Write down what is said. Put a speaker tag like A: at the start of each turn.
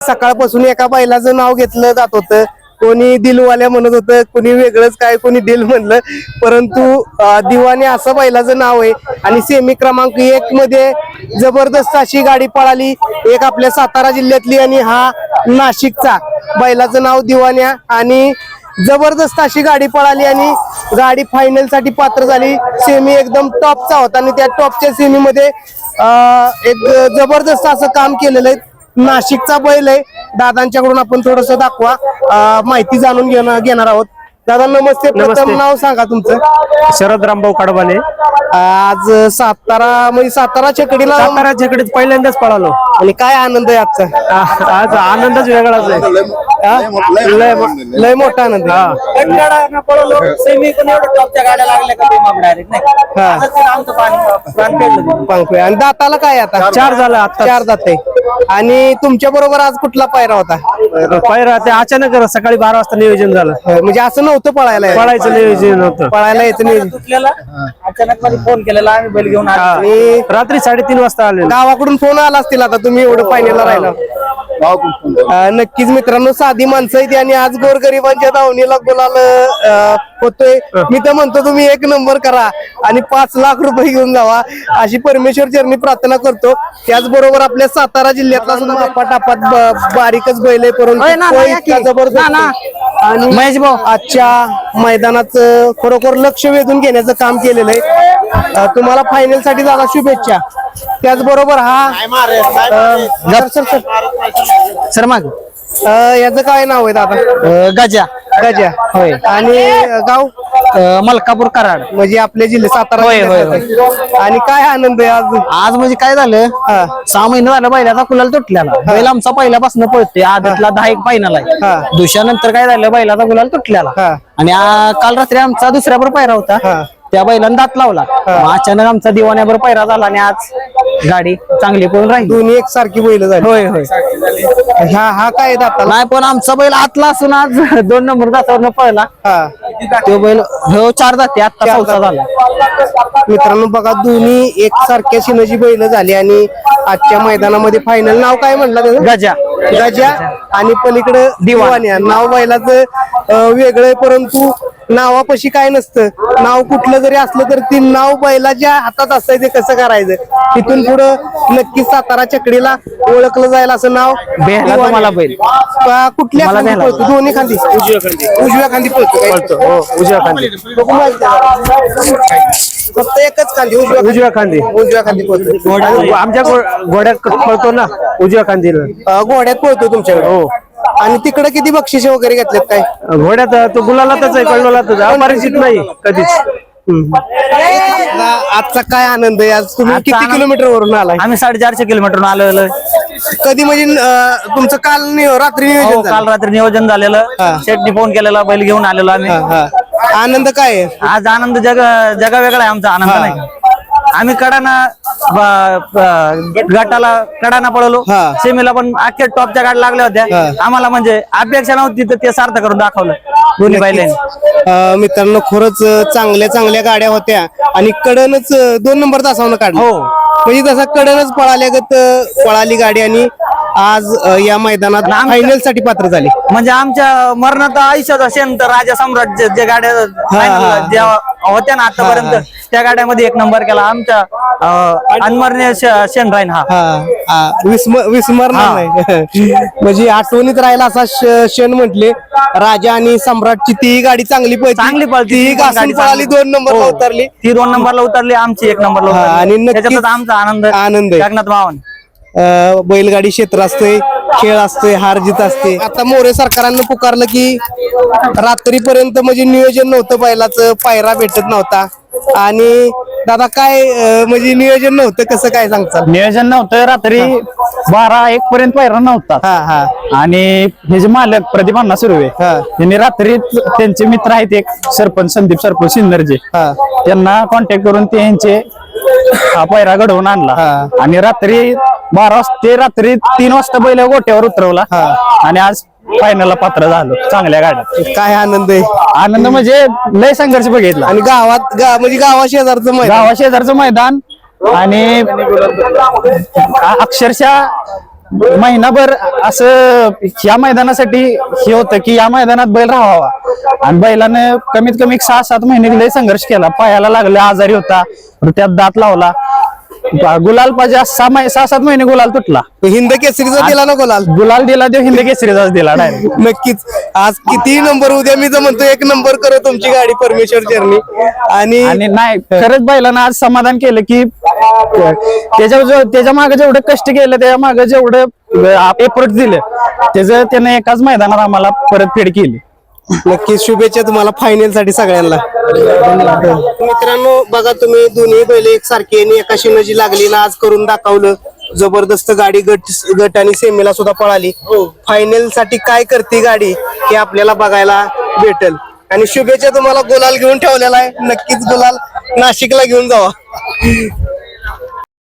A: सकाळपासून एका बैलाचं नाव घेतलं जात होतं, कोणी दिलवाल्या म्हणत होतं, कोणी वेगळंच काय, कोणी दिल म्हणलं, परंतु दिवाने असं बैलाचं नाव आहे. आणि सेमी क्रमांक 1 मध्ये जबरदस्त अशी गाडी पळाली, एक आपल्या सातारा जिल्ह्यातली आणि हा नाशिकचा. बैलाचं नाव दिवान्या आणि जबरदस्त अशी गाडी पळाली आणि गाडी फायनल साठी पात्र झाली. सेमी एकदम टॉपचा होता आणि त्या टॉपच्या सेमी मध्ये एक जबरदस्त असं काम केलेलं आहे. नाशिकचा बैल आहे. दादांच्याकडून आपण थोडस दाखवा, माहिती जाणून घेणार आहोत. दादा नमस्ते. प्रथम नाव सांगा तुमचं.
B: शरद रामभाऊ कडबाले.
A: आज सातारा छकडीला
B: पहिल्यांदाच पळालो
A: आणि काय आनंद आहे आजचा.
B: आज आनंदच वेगळाच आहे.
A: लय मोठा आनंद आहे. आणि दाताला काय आता
B: 4 झालं, आता
A: 4 दात आहे. आणि तुमच्या बरोबर आज कुठला पायरा होता.
B: पायरा ते अचानक सकाळी 12 वाजता नियोजन झालं.
A: म्हणजे असं नव्हतं
B: पळायचं नियोजन होतं.
A: पळायला यायचं नियोजन.
C: अचानक मध्ये फोन केलेला, आम्ही बैल घेऊन
A: आणि
B: रात्री 3:30 वाजता आले.
A: गावाकडून फोन आला असतील आता तुम्ही एवढं फायनलला राहिला. नक्कीच मित्रांनो, साधी माणसं आहेत आणि आज गोरगरिबांच्या दावणीला गुलाल होतोय. मी तर म्हणतो तुम्ही 1 नंबर करा आणि 5 लाख रुपये घेऊन जावा अशी परमेश्वर चरणी प्रार्थना करतो. त्याचबरोबर आपल्या सातारा जिल्ह्यातला सुद्धा टापात बारीकच बैल आहे, परंतु इतका जबरदस्त आणि आजच्या मैदानात खरोखर लक्ष वेधून घेण्याचं काम केलेलं आहे. तुम्हाला फायनल साठी दादा शुभेच्छा. त्याचबरोबर
C: सर माग
A: याचं काय नाव आहे दादा.
C: गजा
A: गजा होय. आणि गाव
C: मलकापूर कराड,
A: म्हणजे आपले जिल्हे सातारा. आणि काय आनंद आहे आज.
C: आज म्हणजे काय झालं, 6 महिने झालं बैलाचा कुलाल तुटलेला. बैल आमचा पहिल्यापासून पळतोय. आदतला 10 एक फायनल आहे. दुसऱ्यानंतर काय झालं, बैलाचा कुलाल तुटलेला आणि काल रात्री आमचा दुसऱ्यावर पायरा होता. त्या बैलांना दात लावला. अचानक आमचा दिवाण्यावर पायरा झाला आणि आज गाडी चांगली पळून राहिली.
A: दोन्ही एकसारखी बैल झाली.
C: होय होय.
A: हा काय दाताला
C: नाही, पण आमचा बैल आतला असून आज 2 नंबर दातावर पळला. तो बैल 4 दाते, आता 4था झाला.
A: मित्रांनो बघा, दोन्ही एकसारख्या शिनची बैल झाली आणि आजच्या मैदानामध्ये फायनल. नाव काय म्हणलं त्याचं.
C: गजा.
A: गजा आणि पलीकडे दिवाण्या. नाव बैलाचं वेगळं, परंतु नावापाशी काय नसतं. नाव कुठलं जरी असलं तर ती नाव बैलाच्या हातात असायचं, कसं करायचं. तिथून पुढं नक्कीच सातारा छकडीला ओळखलं जाईल असं नाव.
C: तुम्हाला बैल
A: कुठल्या खांदी पळतो. दोन्ही खांदी. उजव्या खांदी पळतो.
B: उजव्या खांदी.
A: फक्त एकच खांदी
B: उजव्या खांदी.
A: उजव्या खांदी पळतो.
B: आमच्या घोड्यात पळतो ना उजव्या खांदीला.
A: घोड्यात पळतो तुमच्याकडे.
B: हो.
A: आणि तिकडे किती बक्षिसे वगैरे घेतलेत काय.
B: घोड्यात तो गुलालातच आहे, कळवलातच अपरिचित नाही कधीच.
A: आजचा काय आनंद आहे. आज तुम्ही किती किलोमीटर वरून आलाय.
C: आम्ही 450 किलोमीटर आलेलो.
A: कधी म्हणजे तुमचं काल रात्री नियोजन झालं?
C: काल रात्री नियोजन झालेलं. शेटनी फोन केलेला, बैल घेऊन आलेलो आम्ही.
A: आनंद काय आहे.
C: आज आनंद जगा वेगळा आहे आमचा आनंद. नाही आम्ही गटाला कडाना पळवलो. सेमीला पण अख्ख्या टॉपच्या गाड्या लागल्या होत्या. आम्हाला म्हणजे अपेक्षा नव्हती, तर ते सार्थ करून दाखवलं दोन्ही बैलांनी.
A: मित्रांनो खरंच चांगल्या गाड्या होत्या आणि कडनच 2 नंबर तासावनं काढलं.
C: हो,
A: म्हणजे तसा कडनच पळाली गाडी आणि आज या मैदानात फायनल साठी पात्र झाली.
C: म्हणजे आमच्या मरणात आयुष्याचा शेण तर राजा सम्राट जे गाड्या ज्या होत्या ना आतापर्यंत, त्या गाड्यामध्ये 1 नंबर केला आमच्या अनमरणीय शेण राहीन.
A: विस्मरणार नाही. म्हणजे आठवणीत राहिला असा शेण म्हटले. राजा आणि सम्राटची ती गाडी चांगली पळती. पळाली 2 नंबरला उतरली.
C: ती 2 नंबरला उतरली, आमची 1 नंबरला. आणि त्याच्यातच आमचा आनंद जगन्नाथ मावन.
A: बैलगाडी क्षेत्र असते, खेळ असतोय, हार जीत असते. आता मोरे सरकारांना पुकारलं की रात्रीपर्यंत म्हणजे नियोजन नव्हतं बैलाचं, पायरा भेटत नव्हता. आणि दादा काय म्हणजे नियोजन नव्हतं, कसं काय सांगता.
B: नियोजन नव्हतं, रात्री 12-1 पर्यंत पायरा नव्हता. आणि हे जे मालक प्रदीप अण्णा सुर्वे यांनी रात्री त्यांचे मित्र आहेत एक सरपंच संदीप सरपंच सिन्नरचे, त्यांना कॉन्टॅक्ट करून त्यांचे हा पायरा घडवून आणला. आणि रात्री 12 वाजता ते रात्री 3 वाजता बैल गोट्यावर उतरवला आणि आज फायनलला पात्र झालो चांगल्या गाड्यात.
A: काय आनंद आहे.
B: आनंद म्हणजे लय संघर्ष बघितला.
A: आणि म्हणजे गावा शेजारचं मैदान
B: आणि अक्षरशः महिनाभर असं या मैदानासाठी हे होतं की या मैदानात बैल राहावा आणि बैलाने कमीत कमी 6-7 महिने लय संघर्ष केला. पायाला लागला, आजारी होता, त्यात दात लावला, गुलाल पाहिजे 6-7 महिने गुलाल तुटला.
A: हिंद केसरीचा दिला ना
B: गुलाल दिला, देव हिंद केसरीचाच दिला डायरेक्ट.
A: नक्कीच आज किती नंबर उद्या मी तर म्हणतो 1 नंबर करो तुमची गाडी परमेश्वर जर्नी. आणि
B: नाही खरंच बैलानं आज समाधान केलं की त्याच्या मागे जेवढं कष्ट केलं, त्याच्या मागे जेवढं एफर्ट दिलं, त्याचं त्यानं एकाच मैदानात आम्हाला परतफेड केली.
A: नक्कीच शुभेच्छा तुम्हाला फायनल साठी सगळ्यांना. मित्रांनो बघा तुम्ही दोन्ही बैल एकसारखी आणि एका शिनाची लागली ना आज करून दाखवलं. जबरदस्त गाडी गट आणि सेमीला सुद्धा पळाली. फायनल साठी काय करते गाडी हे आपल्याला बघायला भेटेल. आणि शुभेच्छा तुम्हाला गुलाल घेऊन ठेवलेला आहे. नक्कीच गुलाल नाशिकला घेऊन जावा.